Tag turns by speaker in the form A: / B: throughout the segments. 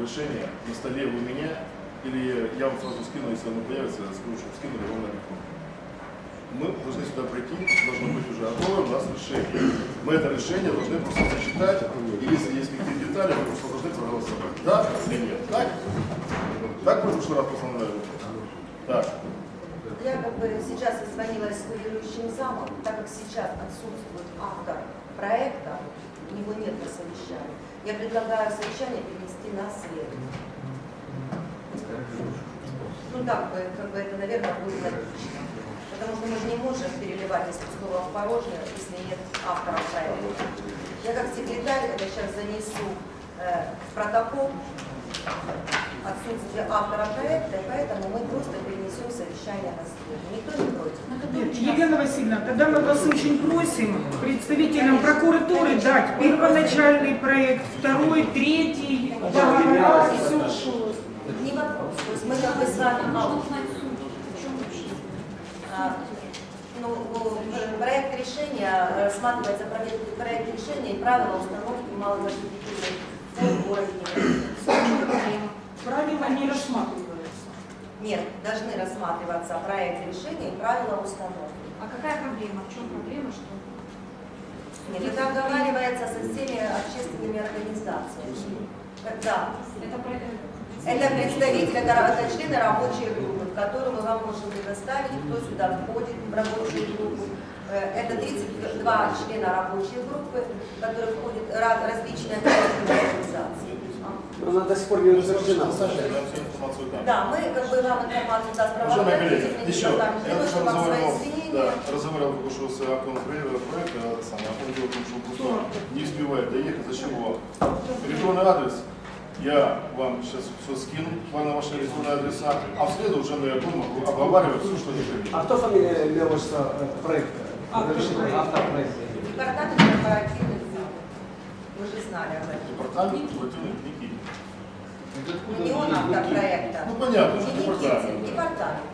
A: решение на столе у меня, или я вам сразу скину, если оно появится, я скажу, чтобы скинули вам на телефон. Мы должны сюда прийти, должно быть уже готовое у нас решение. Мы это решение должны просто зачитать, и если есть какие-то детали, мы просто должны проголосовать. Да или нет? Так? Так мы в прошлый раз постановляли? Так.
B: Я сейчас созвонилась с курирующим замом, так как сейчас отсутствует автор проекта, у него нет на совещании. Я предлагаю совещание перенести на среду. Ну так это, наверное, будет логично. Потому что мы же не можем переливать из пустого в порожнее, если нет автора проекта. Я как секретарь это сейчас занесу в протокол отсутствие автора проекта, и поэтому мы просто перенесем совещание на среду. Никто не против.
C: Нет, Елена Васильевна, тогда мы вас очень просим представителям прокуратуры дать первоначальный проект, второй, третий, договора, все.
B: Не вопрос. То есть мы как бы с вами... Проект решения рассматривается проект решения и правила установки малозащитительных форм в городе.
C: Правила не рассматриваются.
B: Нет, должны рассматриваться проект решения и правила установки.
D: А какая проблема? В чем проблема? Что?
B: Нет, это обговаривается со всеми общественными организациями. Да. Это представители, это члены рабочей группы, которую мы вам можем предоставить, кто сюда входит в рабочую группу. Это 32 члена рабочей группы, которые входят в различные общественные организации.
E: Она до сих пор не утверждена.
B: Да, мы вам информацию даст правоохранительный департамент.
A: Я
B: Что вам свои извинения.
A: разговаривал только что с автором проекта, он дело в том, что он просто не успевает доехать, за чего? Электронный адрес. Я вам сейчас все скину, на ваши электронные адреса, а в среду уже мы будем обговаривать все, что не придет.
E: А кто фамилия имелась проекта? Автор проекта.
B: Департамент корпоративных дел. Вы же знали об этом.
A: Департамент корпоративных Никитин.
B: Не он автор проекта.
A: Ну понятно,
B: Не
A: что
B: Никитин,
A: департамент.
B: департамент.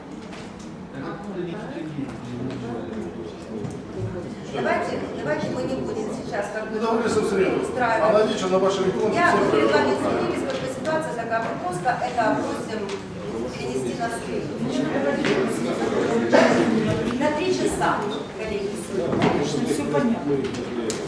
B: Давайте мы не будем сейчас
A: Договорились в среду.
B: устраивать.
A: Аналогично на ваши электронные
B: Я
A: цифры.
B: перед вами извинились, как бы ситуация такая, мы просто это просим перенести на среду. На 3 часа, коллеги.
C: Все понятно.